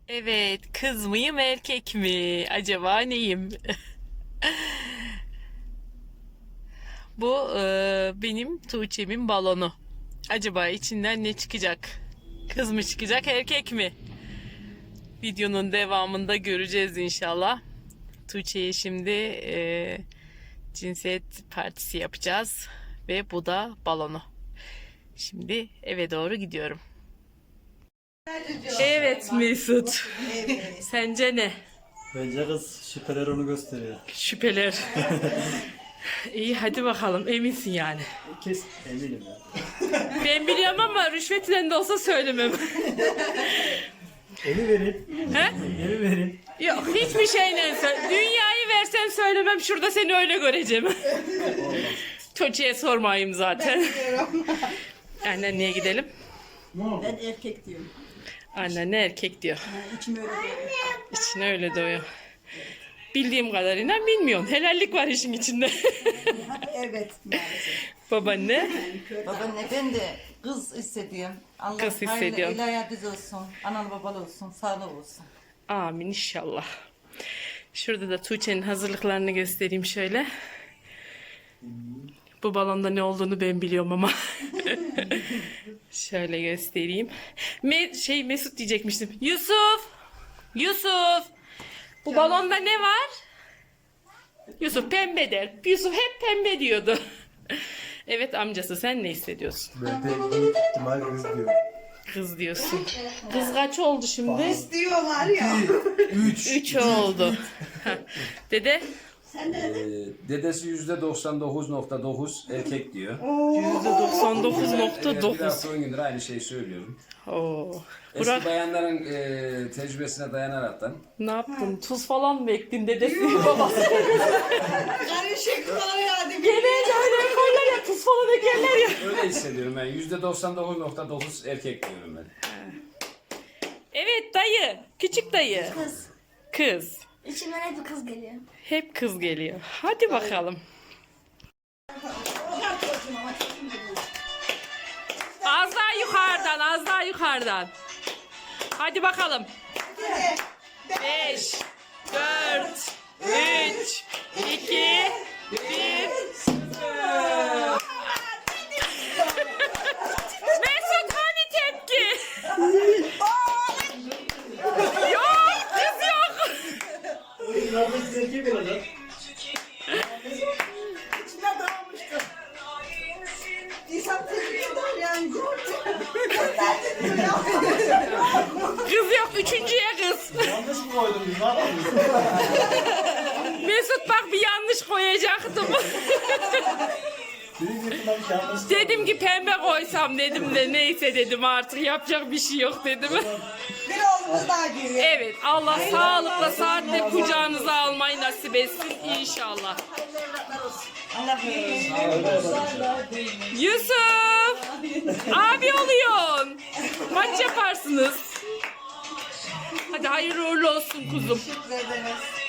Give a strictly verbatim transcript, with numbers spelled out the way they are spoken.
Evet, kız mıyım erkek mi? Acaba neyim? Bu e, benim Tuğçe'min balonu. Acaba içinden ne çıkacak? Kız mı çıkacak, erkek mi? Videonun devamında göreceğiz inşallah. Tuğçe'ye şimdi e, cinsiyet partisi yapacağız ve bu da balonu. Şimdi eve doğru gidiyorum. Evet Mesut. Sence ne? Bence kız şüpheler onu gösteriyor. Şüpheler. İyi hadi bakalım eminsin yani. Kes eminim ya. Ben biliyorum ama rüşvetle de olsa söylemem. Eli verin. He? Eli verin. Yok hiçbir şeyle söyle. Dünyayı versem söylemem, şurada seni öyle göreceğim. Çocuğa sormayayım zaten. Anneneye gidelim. Ben erkek diyorum. Anne erkek diyor. Ha, içim öyle diyor. İçine öyle doyuyor. Bildiğim kadarıyla bilmiyorum. Helallik var işin içinde. Evet maalesef. Babaanne. Babaanne ben de kız hissediyorum. Allah Kız hissediyorum. hayırlı, el ayağı düz olsun. Analı babalı olsun. Sağlık olsun. Amin inşallah. Şurada da Tuğçe'nin hazırlıklarını göstereyim şöyle. Bu balonda ne olduğunu ben biliyorum ama. Şöyle göstereyim. Me şey Mesut diyecekmiştim. Yusuf! Yusuf! Bu balonda ne var? Yusuf pembe der. Yusuf hep pembe diyordu. Evet amcası, sen ne hissediyorsun? Ben de büyük ihtimal kız diyorum. Kız diyorsun. Kız kaç oldu şimdi? Diyorlar ya. Üç. Üç oldu. Ha. Dede? Ee, dedesi yüzde doksan dokuz nokta dokuz erkek diyor. yüzde doksan dokuz nokta Evet, bir dokuz. hafta on gündür aynı şeyi söylüyorum. Oo. Eski Burak bayanların e, tecrübesine dayanaraktan ne yaptın? Tuz falan mı ektin dedesi babası? Karışıklar yani. Genelde öyle yaparlar ya, tuz falan ekerler ya. öyle hissediyorum ben. yüzde doksan dokuz nokta dokuz erkek diyorum ben. Evet dayı. Küçük dayı. Kız. Kız. İçimden hep bir kız geliyor. Hep kız geliyor. Hadi bakalım. Az daha yukarıdan, az daha yukarıdan. Hadi bakalım. Beş, dört, üç, iki, bir. Mesut hani tepki? Yok, kız yok. Kız erkek olacak. İçine dağılmıştı. İnsan tepkiyorlar yani. Nerede diyor ya? Kız yok, üçüncüye kız. Yanlış mı koydun biz? Ne yapalım? Mesut bak bir yanlış koyacaktım. Büyük ihtimal yanlış. Dedim ki pembe koysam dedim de neyse dedim, artık yapacak bir şey yok dedim. Bir oğlumuz daha geliyor. Evet, Allah sağlıkla saatle kucağınıza almayı nasip etsin inşallah. Allah Yusuf! Abi oluyorsun. Maç yaparsınız. Hadi hayırlı uğurlu olsun kuzum. Teşekkür ederiz.